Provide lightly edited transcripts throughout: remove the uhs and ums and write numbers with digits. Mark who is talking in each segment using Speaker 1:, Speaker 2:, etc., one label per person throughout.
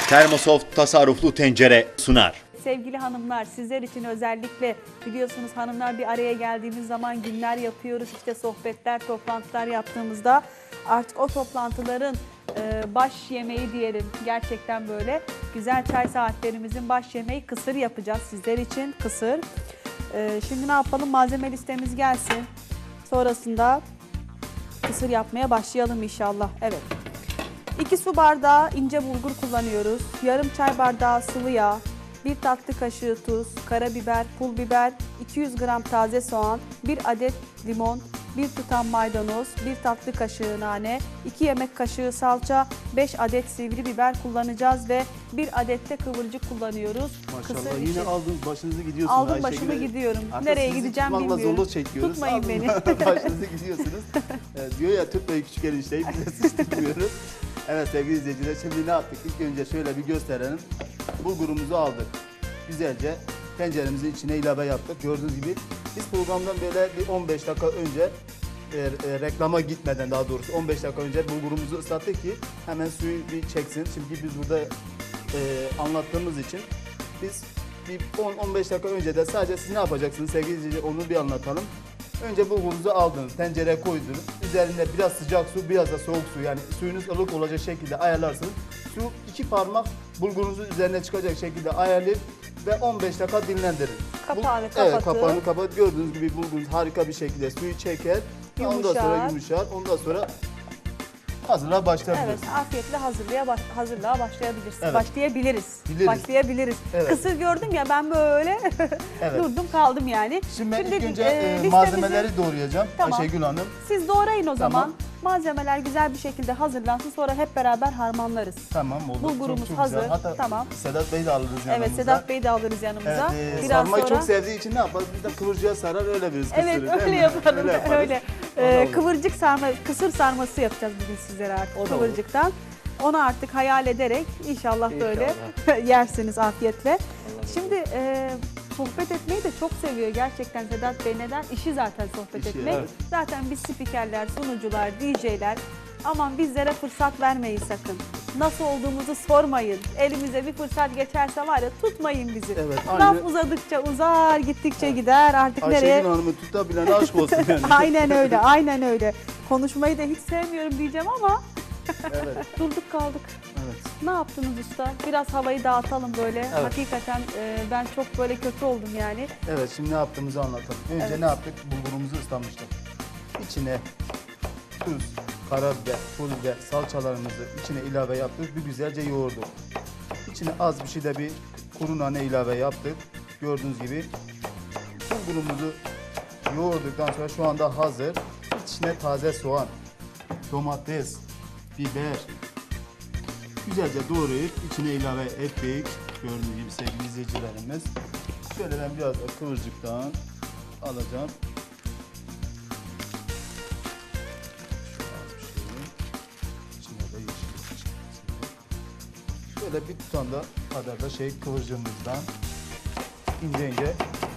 Speaker 1: Termosoft tasarruflu tencere sunar.
Speaker 2: Sevgili hanımlar, sizler için özellikle biliyorsunuz hanımlar bir araya geldiğimiz zaman günler yapıyoruz. İşte sohbetler, toplantılar yaptığımızda artık o toplantıların baş yemeği diyelim. Gerçekten böyle güzel çay saatlerimizin baş yemeği kısır yapacağız sizler için. Kısır. Şimdi ne yapalım? Malzeme listemiz gelsin. Sonrasında kısır yapmaya başlayalım inşallah. Evet. 2 su bardağı ince bulgur kullanıyoruz. Yarım çay bardağı sıvı yağ, 1 tatlı kaşığı tuz, karabiber, pul biber, 200 gram taze soğan, 1 adet limon, 1 tutam maydanoz, 1 tatlı kaşığı nane, 2 yemek kaşığı salça, 5 adet sivri biber kullanacağız ve 1 adet de kıvırcık kullanıyoruz.
Speaker 3: Maşallah yine aldınız başınızı gidiyorsunuz.
Speaker 2: Aldım başımı gidiyorum. Nereye gideceğim bilmiyorum.
Speaker 3: Zorluk çekiyoruz.
Speaker 2: Tutmayın
Speaker 3: Aldınız,
Speaker 2: beni.
Speaker 3: başınızı gidiyorsunuz. Diyor ya tutmayın küçük enişteyi biz de sıçtırmıyoruz. Evet sevgili izleyiciler, şimdi ne yaptık? İlk önce şöyle bir gösterelim. Bulgurumuzu aldık. Güzelce tenceremizin içine ilave yaptık. Gördüğünüz gibi biz programdan böyle bir 15 dakika önce reklama gitmeden, daha doğrusu 15 dakika önce bulgurumuzu ıslattık ki hemen suyu bir çeksin. Şimdi biz burada anlattığımız için biz bir 10-15 dakika önce de sadece siz ne yapacaksınız sevgili izleyiciler, onu bir anlatalım. Önce bulgurunuzu aldınız, tencereye koydunuz. Üzerine biraz sıcak su, biraz da soğuk su, yani suyunuz ılık olacak şekilde ayarlarsınız. Su 2 parmak bulgurunuzun üzerine çıkacak şekilde ayarlayıp ve 15 dakika dinlendirin.
Speaker 2: Kapağını
Speaker 3: Evet,
Speaker 2: kapatıp.
Speaker 3: kapağını kapat. Gördüğünüz gibi bulgurunuz harika bir şekilde suyu çeker. Ondan sonra yumuşar. Ondan sonra hazırlığa başlayabiliriz.
Speaker 2: Evet, afiyetle hazırlığa başlayabiliriz.
Speaker 3: Evet.
Speaker 2: Başlayabiliriz.
Speaker 3: Evet.
Speaker 2: Kısır gördüm ya, ben böyle
Speaker 3: Evet.
Speaker 2: durdum kaldım yani.
Speaker 3: Şimdi ben ilk önce
Speaker 2: listemizi-
Speaker 3: malzemeleri doğrayacağım.
Speaker 2: Tamam.
Speaker 3: Ayşegül Hanım.
Speaker 2: Siz doğrayın o zaman.
Speaker 3: Tamam.
Speaker 2: Malzemeler güzel bir şekilde hazırlansın, sonra hep beraber harmanlarız.
Speaker 3: Tamam oldu.
Speaker 2: Bulgurumuz
Speaker 3: çok
Speaker 2: hazır.
Speaker 3: Güzel. Hatta
Speaker 2: Tamam.
Speaker 3: Sedat Bey'i de alırız yanımıza.
Speaker 2: Evet, Sedat Bey'i de alırız yanımıza.
Speaker 3: Evet,
Speaker 2: Biraz
Speaker 3: sarmayı
Speaker 2: sonra...
Speaker 3: çok sevdiği için ne yaparız? Biz de kıvırcığa sarar öyle veririz kısırı.
Speaker 2: Evet,
Speaker 3: değil
Speaker 2: öyle
Speaker 3: mi?
Speaker 2: yapalım.
Speaker 3: Öyle yaparız.
Speaker 2: Öyle.
Speaker 3: O da olur.
Speaker 2: Kıvırcık sarma, kısır sarması yapacağız bugün sizlere artık
Speaker 3: O da olur.
Speaker 2: kıvırcıktan. Onu artık hayal ederek inşallah böyle yersiniz afiyetle. Şimdi sohbet etmeyi de çok seviyor gerçekten Sedat Bey. Neden? İşi zaten sohbet
Speaker 3: İşi,
Speaker 2: etmek.
Speaker 3: evet.
Speaker 2: Zaten biz spikerler, sunucular, DJ'ler, aman bizlere fırsat vermeyin sakın. Nasıl olduğumuzu sormayın. Elimize bir fırsat geçerse var ya, tutmayın bizi.
Speaker 3: Evet,
Speaker 2: Laf
Speaker 3: aynı-
Speaker 2: uzadikçe uzar, gittikçe gider artık nereye?
Speaker 3: Ayşegül Hanım'ı tutabilen aşk olsun yani.
Speaker 2: Aynen öyle, aynen öyle. Konuşmayı da hiç sevmiyorum diyeceğim ama
Speaker 3: Evet.
Speaker 2: durduk kaldık.
Speaker 3: Evet.
Speaker 2: Ne yaptınız usta? Biraz havayı dağıtalım böyle.
Speaker 3: Evet.
Speaker 2: Hakikaten ben çok böyle kötü oldum yani.
Speaker 3: Evet, şimdi ne yaptığımızı anlatalım. Önce
Speaker 2: Evet.
Speaker 3: ne yaptık? Bulgurumuzu ıslamıştık. İçine tuz, karabiber, pul biber, salçalarımızı içine ilave yaptık. Bir güzelce yoğurduk. İçine az bir şey de bir kuru nane ilave yaptık. Gördüğünüz gibi bulgurumuzu yoğurduktan sonra şu anda hazır. İçine taze soğan, domates, biber güzelce doğrayıp içine ilave ettik. Gördüğünüz gibi sevgili izleyicilerimiz. Şöyle ben biraz da kıvırcıktan alacağım. İçine de yeşil. Şöyle bir tutam da kadar da kıvırcığımızdan ince ince.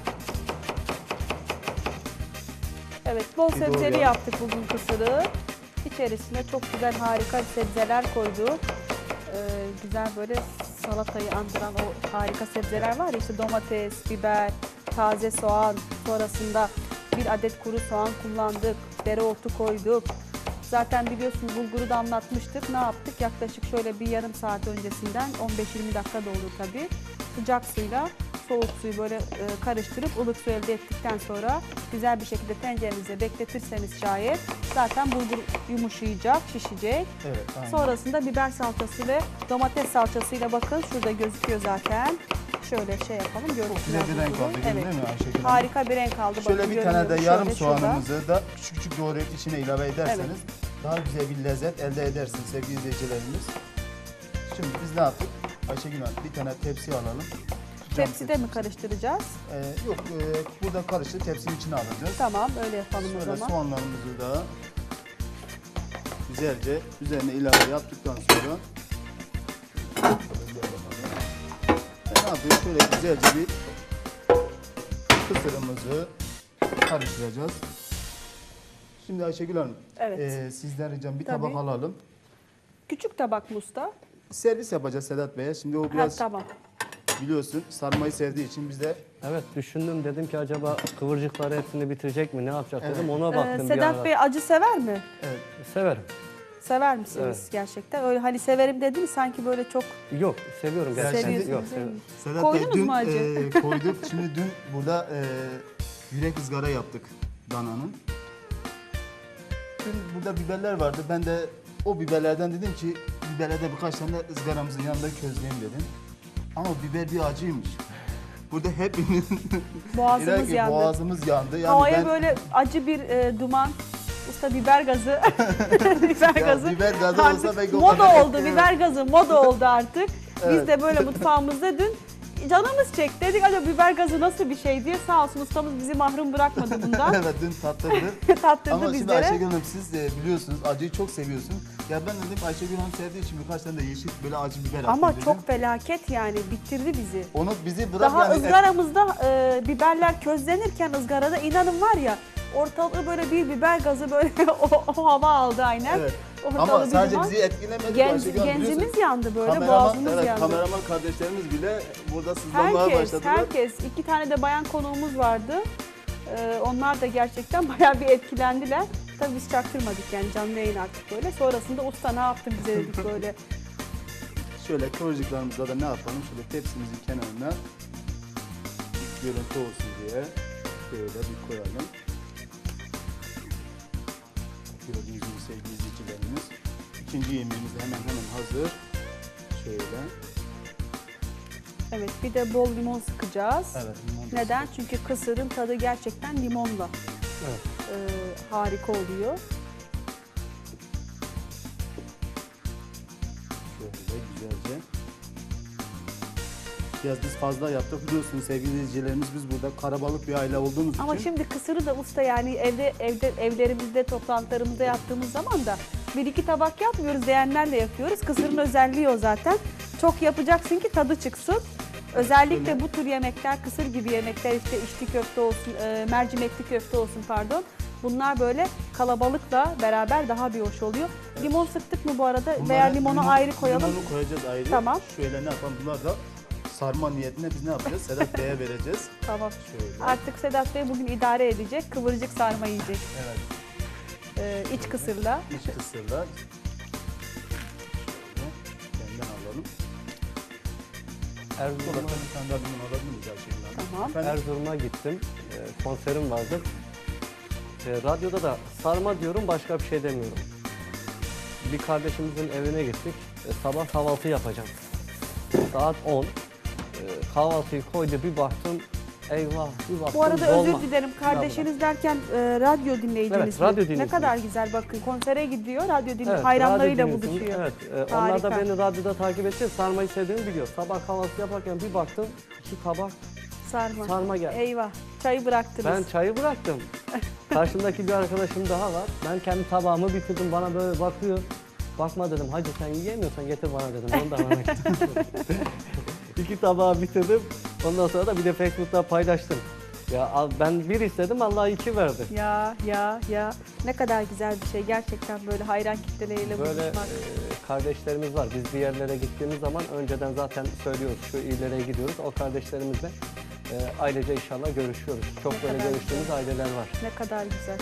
Speaker 2: Evet, bol
Speaker 3: Bir
Speaker 2: sebzeli
Speaker 3: doğrayalım.
Speaker 2: yaptık bugün kısırı. İçerisine çok güzel harika sebzeler koyduk. Güzel böyle salatayı andıran o harika sebzeler var ya, işte domates, biber, taze soğan, sonrasında 1 adet kuru soğan kullandık, dereotu koyduk. Zaten biliyorsunuz bulguru da anlatmıştık. Ne yaptık? Yaklaşık şöyle bir yarım saat öncesinden 15-20 dakika da olur tabii. Sıcak suyla soğuk suyu böyle karıştırıp ılık su elde ettikten sonra güzel bir şekilde tencerenize bekletirseniz şayet zaten bulgur yumuşayacak, şişecek.
Speaker 3: Evet, aynen.
Speaker 2: Sonrasında biber salçası ve domates salçasıyla, bakın şurada gözüküyor zaten. Şöyle yapalım,
Speaker 3: Çok
Speaker 2: görsünler
Speaker 3: güzel bir renk
Speaker 2: bulguru.
Speaker 3: aldı, değil mi Ayşegül Hanım?
Speaker 2: Harika bir renk aldı.
Speaker 3: Şöyle
Speaker 2: bakın,
Speaker 3: bir tane de
Speaker 2: görünüyor.
Speaker 3: yarım
Speaker 2: Şöyle şurada.
Speaker 3: soğanımızı da küçük küçük doğrayıp içine ilave ederseniz daha güzel bir lezzet elde edersiniz sevgili izleyicilerimiz. Şimdi biz ne yaptık? Ayşegül Hanım, bir tane tepsi alalım. Cam
Speaker 2: Tepside mi karıştıracağız?
Speaker 3: Yok, burada karıştı, tepsinin içine alacağız.
Speaker 2: Tamam, öyle yapalım o
Speaker 3: Şöyle
Speaker 2: zaman.
Speaker 3: soğanlarımızı da güzelce üzerine ilave yaptıktan sonra ne yapıyoruz? Şöyle güzelce bir kısırımızı karıştıracağız. Şimdi Ayşegül Hanım,
Speaker 2: Evet.
Speaker 3: sizden ricam bir
Speaker 2: Tabii.
Speaker 3: tabak alalım.
Speaker 2: Küçük tabak mı usta?
Speaker 3: servis yapacağız Sedat Bey'e. Şimdi o
Speaker 2: Ha,
Speaker 3: biraz
Speaker 2: tamam.
Speaker 3: biliyorsun sarmayı sevdiği için biz de
Speaker 4: Evet düşündüm dedim ki acaba kıvırcıkları hepsini bitirecek mi ne yapacak dedim ona baktım bir
Speaker 2: Sedat
Speaker 4: ara.
Speaker 2: Bey acı sever mi?
Speaker 4: Severim.
Speaker 2: Sever misiniz
Speaker 4: Evet.
Speaker 2: gerçekten? Öyle hani severim dedin sanki böyle çok
Speaker 4: Yok seviyorum gerçekten.
Speaker 2: seviyorsunuz
Speaker 4: Yok,
Speaker 2: değil mi?
Speaker 4: seviyorum.
Speaker 3: Sedat
Speaker 2: Koydunuz
Speaker 3: Bey dün
Speaker 2: mu acı?
Speaker 3: koyduk. Şimdi dün burada yürek ızgara yaptık dananın. Dün burada biberler vardı. Ben de o biberlerden dedim ki biberlerde birkaç tane ızgaramızın yanında közleyeyim dedim. Ama biber bir acıymış. Burada hepimiz
Speaker 2: Boğazımız yandı.
Speaker 3: boğazımız yandı. Yani
Speaker 2: Havaya böyle acı bir duman, usta biber gazı, biber
Speaker 3: Ya
Speaker 2: gazı.
Speaker 3: biber gazı
Speaker 2: Artık
Speaker 3: olsa belki o
Speaker 2: moda
Speaker 3: kadar
Speaker 2: oldu, biber gazı moda oldu artık. Biz
Speaker 3: Evet.
Speaker 2: de böyle mutfağımızda dün canımız çekti. Dedik acaba biber gazı nasıl bir şey diye sağ olsun ustamız bizi mahrum bırakmadı bundan.
Speaker 3: evet dün tattırdı.
Speaker 2: Tattırdı
Speaker 3: Ama şimdi
Speaker 2: bizlere.
Speaker 3: Ayşegül Hanım siz de biliyorsunuz acıyı çok seviyorsun. Ya ben dedim Ayşegül Hanım sevdiği için birkaç tane de yeşil böyle acı biber attım
Speaker 2: Ama
Speaker 3: dedim.
Speaker 2: çok felaket yani bitirdi bizi.
Speaker 3: Onu bizi bırak
Speaker 2: Daha
Speaker 3: yani
Speaker 2: ızgaramızda biberler közlenirken ızgarada inanın var ya ortalığı böyle bir biber gazı böyle o hava aldı aynen.
Speaker 3: Evet.
Speaker 2: Ortalığı
Speaker 3: Ama
Speaker 2: bir
Speaker 3: sadece
Speaker 2: duman.
Speaker 3: bizi etkilemedi. Ayşegül Hanım,
Speaker 2: Genzimiz
Speaker 3: biliyorsun.
Speaker 2: yandı böyle,
Speaker 3: Kameraman,
Speaker 2: boğazımız
Speaker 3: evet,
Speaker 2: yandı.
Speaker 3: kameraman kardeşlerimiz bile burada sızlanmaya başladılar.
Speaker 2: Herkes. 2 tane de bayan konuğumuz vardı. Onlar da gerçekten bayağı bir etkilendiler. Tabii biz çaktırmadık yani canlı yayın artık böyle. Sonrasında usta ne yaptın bize dedik böyle.
Speaker 3: Şöyle kıvırcıklarımızda da ne yapalım? Şöyle tepsimizin kenarına görüntü olsun diye şöyle bir koyalım. Gördüğünüz gibi sevgili izleyicilerimiz. İkinci yemeğimiz de hemen hazır. Şöyle.
Speaker 2: Evet bir de bol limon sıkacağız.
Speaker 3: Evet. limon da
Speaker 2: Neden? Çünkü kısırın tadı gerçekten limonla
Speaker 4: Evet.
Speaker 2: harika oluyor.
Speaker 3: şöyle güzelce. Biraz biz fazla yaptık. Biliyorsunuz sevgili izleyicilerimiz biz burada karabalık bir aile olduğumuz
Speaker 2: Ama
Speaker 3: için.
Speaker 2: şimdi kısırı da usta yani evlerimizde toplantılarımızda yaptığımız zaman da bir iki tabak yapmıyoruz, leğenlerle yapıyoruz. Kısırın özelliği o zaten. Çok yapacaksın ki tadı çıksın. Özellikle bu tür yemekler, kısır gibi yemekler işte içli köfte olsun, mercimekli köfte olsun pardon. Bunlar böyle kalabalıkla beraber daha bir hoş oluyor. Limon sıktık mı bu arada veya
Speaker 3: Bunları
Speaker 2: limonu ayrı koyalım.
Speaker 3: Limonu koyacağız ayrı.
Speaker 2: Tamam.
Speaker 3: Şöyle ne yapalım? Bunlar da sarma niyetine biz ne yapacağız? Sedat Bey'e vereceğiz.
Speaker 2: Tamam.
Speaker 3: Şöyle.
Speaker 2: Artık Sedat Bey bugün idare edecek. Kıvırcık sarma yiyecek.
Speaker 3: Evet.
Speaker 2: İç kısırla.
Speaker 3: İç kısırlar. Şöyle. Benden alalım. Burada
Speaker 4: Erzurum'a,
Speaker 3: bir tane daha limon alabilir miyiz Ayşegül Hanım?
Speaker 2: Tamam.
Speaker 3: Efendim?
Speaker 4: Erzurum'a gittim. Konserim vardı. Radyoda da sarma diyorum başka bir şey demiyorum. Bir kardeşimizin evine gittik. Sabah kahvaltı yapacağım. Saat 10. Kahvaltıyı koydu bir baktım. Eyvah bir baktım
Speaker 2: Bu arada
Speaker 4: dolma.
Speaker 2: özür dilerim. Kardeşiniz derken radyo dinleyiciniz
Speaker 4: Evet,
Speaker 2: mi?
Speaker 4: radyo
Speaker 2: Ne
Speaker 4: dinleyicimiz.
Speaker 2: kadar güzel bakın. Konsere gidiyor, radyo dinliyor.
Speaker 4: Evet,
Speaker 2: Hayranlarıyla
Speaker 4: radyo dinliyorsun.
Speaker 2: buluşuyor.
Speaker 4: Evet, onlar da
Speaker 2: Harika.
Speaker 4: beni radyoda takip etti. Sarmayı sevdiğimi biliyor. Sabah kahvaltı yaparken bir baktım 2 tabak
Speaker 2: Sarma.
Speaker 4: sarma geldi.
Speaker 2: Eyvah. Çayı bıraktınız.
Speaker 4: Ben çayı bıraktım. Karşımdaki bir arkadaşım daha var. Ben kendi tabağımı bitirdim. Bana böyle bakıyor. Bakma dedim. Hacı sen yiyemiyorsan getir bana dedim. Onu da bana getir. 2 tabağı bitirdim. Ondan sonra da bir de Facebook'ta paylaştım. Ya ben bir istedim Allah 2 verdi.
Speaker 2: Ya. Ne kadar güzel bir şey. Gerçekten böyle hayran kitleleriyle
Speaker 4: Böyle
Speaker 2: buluşmak.
Speaker 4: kardeşlerimiz var. Biz bir yerlere gittiğimiz zaman önceden zaten söylüyoruz şu illere gidiyoruz. O kardeşlerimizle ailece inşallah görüşüyoruz. Çok
Speaker 2: Ne
Speaker 4: böyle
Speaker 2: kadar
Speaker 4: görüştüğümüz
Speaker 2: güzel.
Speaker 4: aileler var.
Speaker 2: Ne kadar güzel.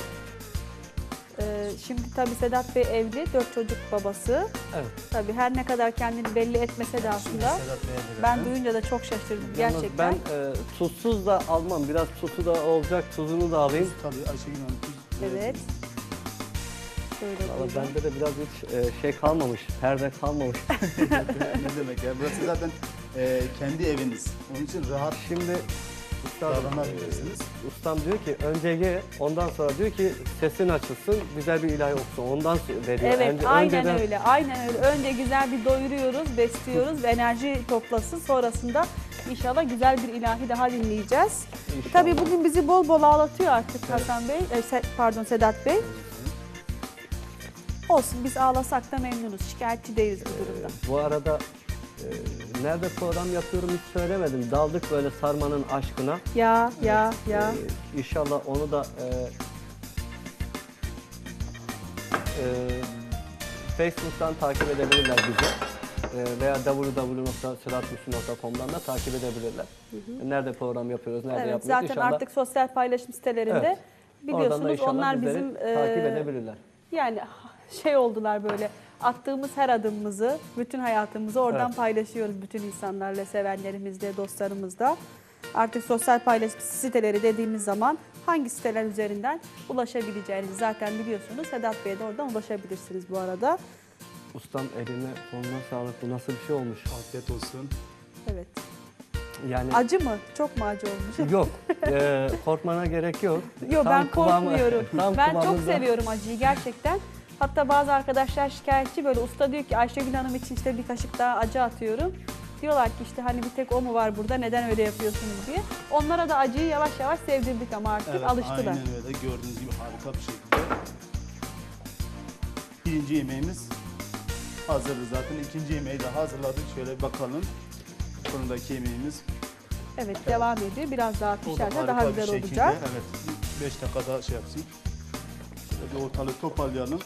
Speaker 2: Şimdi tabii Sedat Bey evli, 4 çocuk babası.
Speaker 4: Evet.
Speaker 2: Tabii her ne kadar kendini belli etmese de aslında
Speaker 3: Sedat Bey'e verelim.
Speaker 2: ben duyunca da çok şaşırdım
Speaker 4: Yalnız
Speaker 2: gerçekten.
Speaker 4: ben tuzsuz da almam. Biraz tuzu da olacak. Tuzunu da alayım.
Speaker 3: Tabii Ayşegül Hanım tuz.
Speaker 2: Evet. Şöyle
Speaker 4: Valla
Speaker 2: buyurun.
Speaker 4: bende de biraz hiç şey kalmamış. Perde kalmamış.
Speaker 3: Ne demek ya? Burası zaten kendi eviniz. Onun için rahat
Speaker 4: Şimdi üstadım,
Speaker 3: davranabilirsiniz.
Speaker 4: ustam diyor ki önce ye, ondan sonra diyor ki sesin açılsın, güzel bir ilahi okusun. Ondan veriyor.
Speaker 2: Evet, aynen
Speaker 4: önceden-
Speaker 2: öyle. Aynen öyle. Önce güzel bir doyuruyoruz, besliyoruz ve enerji toplasın. Sonrasında inşallah güzel bir ilahi daha dinleyeceğiz.
Speaker 4: İnşallah.
Speaker 2: Tabii bugün bizi bol bol ağlatıyor artık Hasan Bey, pardon Sedat Bey. Olsun biz ağlasak da memnunuz. Şikayetçi değiliz bu durumda.
Speaker 4: Bu arada nerede program yapıyorum hiç söylemedim. Daldık böyle sarmanın aşkına.
Speaker 2: Ya.
Speaker 4: İnşallah onu da Facebook'tan takip edebilirler bizi. veya www.sedatmüslüm.com'dan da takip edebilirler. Nerede program yapıyoruz, nerede
Speaker 2: Evet,
Speaker 4: yapmıyoruz
Speaker 2: zaten
Speaker 4: inşallah.
Speaker 2: artık sosyal paylaşım sitelerinde
Speaker 4: Evet. Oradan da
Speaker 2: biliyorsunuz
Speaker 4: inşallah
Speaker 2: onlar
Speaker 4: bizleri
Speaker 2: bizim
Speaker 4: takip edebilirler.
Speaker 2: yani şey oldular böyle attığımız her adımımızı, bütün hayatımızı oradan
Speaker 4: Evet.
Speaker 2: paylaşıyoruz bütün insanlarla, sevenlerimizle, dostlarımızla. Artık sosyal paylaşım siteleri dediğimiz zaman hangi siteler üzerinden ulaşabileceğinizi zaten biliyorsunuz. Sedat Bey'e de oradan ulaşabilirsiniz bu arada.
Speaker 4: Ustam eline koluna sağlık. Bu nasıl bir şey olmuş?
Speaker 3: Afiyet olsun.
Speaker 2: Evet.
Speaker 4: Yani
Speaker 2: Acı mı? Çok mu acı olmuş?
Speaker 4: yok. Korkmana gerek yok.
Speaker 2: Yok,
Speaker 4: Tam
Speaker 2: ben
Speaker 4: kıvamı-
Speaker 2: korkmuyorum.
Speaker 4: tam
Speaker 2: Ben çok
Speaker 4: kıvamında.
Speaker 2: seviyorum acıyı gerçekten. Hatta bazı arkadaşlar şikayetçi, böyle usta diyor ki Ayşegül Hanım için işte bir kaşık daha acı atıyorum. Diyorlar ki işte hani bir tek o mu var burada, neden öyle yapıyorsunuz diye. Onlara da acıyı yavaş yavaş sevdirdik ama artık
Speaker 3: Evet,
Speaker 2: alıştılar.
Speaker 3: aynen öyle. Gördüğünüz gibi harika bir şekilde. Birinci yemeğimiz hazırdı zaten. İkinci yemeği de hazırladık. Şöyle bir bakalım. Fırındaki yemeğimiz.
Speaker 2: Evet, devam ediyor. Biraz daha
Speaker 3: O da
Speaker 2: pişerse
Speaker 3: harika
Speaker 2: daha
Speaker 3: bir
Speaker 2: güzel
Speaker 3: şekilde.
Speaker 2: olacak.
Speaker 3: Evet. 5 dakika daha şey yapsın. Şöyle bir ortalığı toparlayalım.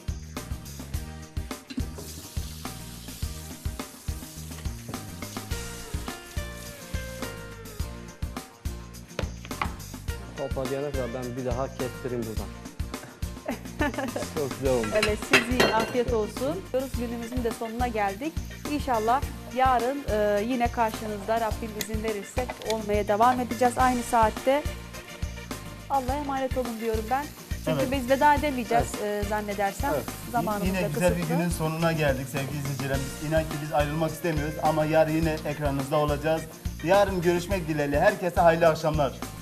Speaker 4: Toparlayana kadar ben bir daha kestireyim buradan. Çok güzel olmuş.
Speaker 2: Evet, siz yiyin, afiyet olsun. Günümüzün de sonuna geldik. İnşallah yarın yine karşınızda Rabbim izin verirse olmaya devam edeceğiz aynı saatte. Allah'a emanet olun diyorum ben. Çünkü
Speaker 3: Evet.
Speaker 2: biz veda edemeyeceğiz zannedersem.
Speaker 4: Evet.
Speaker 2: Zamanımız
Speaker 3: Yine
Speaker 2: da
Speaker 3: güzel bir
Speaker 2: kısıtlı.
Speaker 3: günün sonuna geldik sevgili izleyicilerimiz. İnan ki biz ayrılmak istemiyoruz ama yarın yine ekranınızda olacağız. Yarın görüşmek dileğiyle. Herkese hayırlı akşamlar.